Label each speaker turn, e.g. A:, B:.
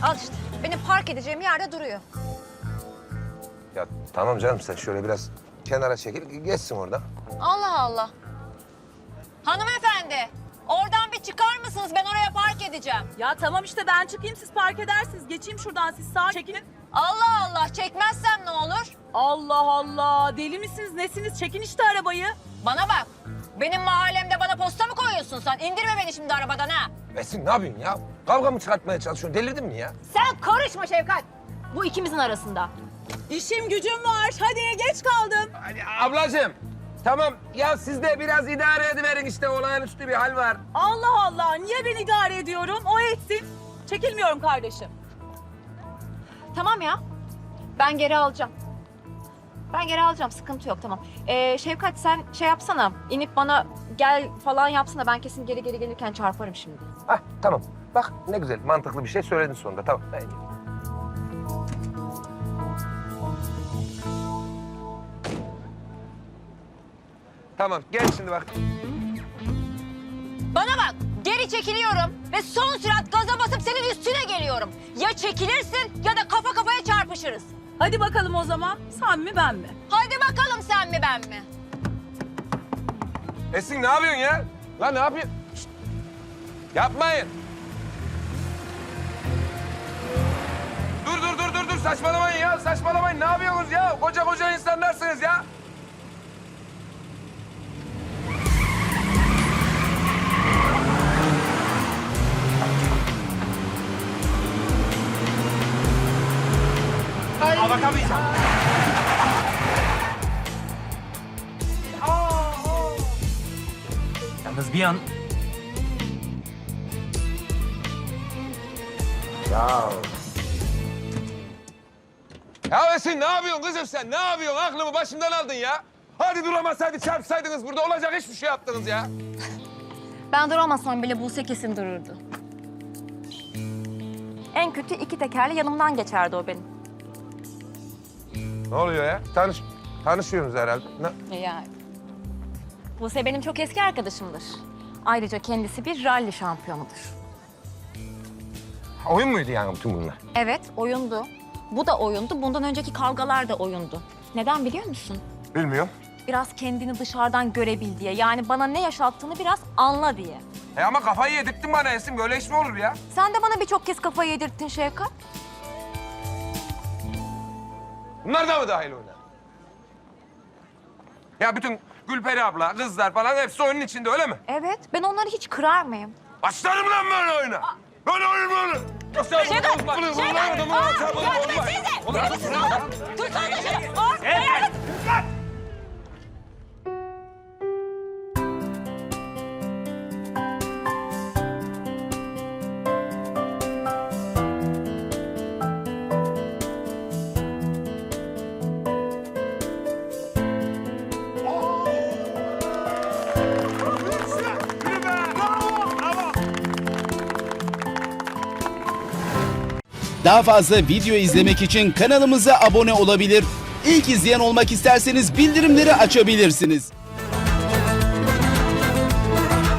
A: Al işte. Benim park edeceğim yerde duruyor.
B: Ya tamam canım, sen şöyle biraz kenara çekil, geçsin orada.
A: Allah Allah. Hanımefendi, oradan bir çıkar mısınız? Ben oraya park edeceğim.
C: Ya tamam işte ben çıkayım siz park edersiniz. Geçeyim şuradan siz sağa çekilin.
A: Allah Allah, çekmezsem ne olur?
C: Allah Allah deli misiniz nesiniz çekin işte arabayı.
A: Bana bak, benim mahallemde bana posta mı koyuyorsun sen? İndirme beni şimdi arabadan ha.
B: Esin ne yapıyorsun ya? Kavga mı çıkartmaya çalışıyorsun? Delirdin mi ya?
A: Sen karışma Şevkat. Bu ikimizin arasında.
C: İşim gücüm var hadi geç kaldım.
B: Hadi ablacığım. Tamam ya, siz de biraz idare ediverin, işte olağanüstü bir hal var.
C: Allah Allah niye ben idare ediyorum o etsin. Çekilmiyorum kardeşim.
A: Tamam ya, ben geri alacağım. Ben geri alacağım, sıkıntı yok tamam. Şevkat sen şey yapsana, inip bana gel falan yapsana. Ben kesin geri gelirken çarparım şimdi.
B: Hah tamam. Bak ne güzel, mantıklı bir şey söyledin sonunda. Tamam. Haydi. Tamam, gel şimdi bak.
A: Bana bak, geri çekiliyorum ve son sürat gaza basıp senin üstüne geliyorum. Ya çekilirsin ya da kafa kafaya çarpışırız.
C: Hadi bakalım o zaman sen mi ben mi?
A: Hadi bakalım sen mi ben mi?
B: Esin ne yapıyorsun ya? Lan ne yapıyorsun? Şişt. Yapmayın. Dur, saçmalamayın ya, saçmalamayın. Ne yapıyorsunuz ya? Koca insanlarsınız ya.
D: Bakamayacağım. Yalnız bir an
B: Ya Esin ne yapıyorsun kızım sen? Ne yapıyorsun? Aklımı başımdan aldın ya. Hadi duramasaydı çarpsaydınız, burada olacak hiçbir şey yaptınız ya.
A: Ben duramasam bile Buse kesin dururdu. En kötü iki tekerle yanımdan geçerdi o benim.
B: Ne oluyor ya? Tanışıyorsunuz herhalde.
A: Yani. Buse benim çok eski arkadaşımdır. Ayrıca kendisi bir ralli şampiyonudur.
B: Oyun muydu yani bütün bunlar?
A: Evet, oyundu. Bu da oyundu. Bundan önceki kavgalar da oyundu. Neden biliyor musun?
B: Bilmiyorum.
A: Biraz kendini dışarıdan görebil diye. Yani bana ne yaşattığını biraz anla diye.
B: Ama kafayı yedirttin bana Esin. Böyle iş mi olur ya?
A: Sen de bana birçok kez kafayı yedirttin Şevkat.
B: Bunlar da mı dahil oyuna? Ya bütün Gülperi abla, kızlar falan hepsi oyunun içinde, öyle mi?
A: Evet, ben onları hiç kırar mıyım?
B: Başlarım lan böyle oyuna. Böyle oyun böyle.
A: Şevkat! Şevkat! Yardım etsenize! Tutsana şunu!
E: Daha fazla video izlemek için kanalımıza abone olabilir. İlk izleyen olmak isterseniz bildirimleri açabilirsiniz.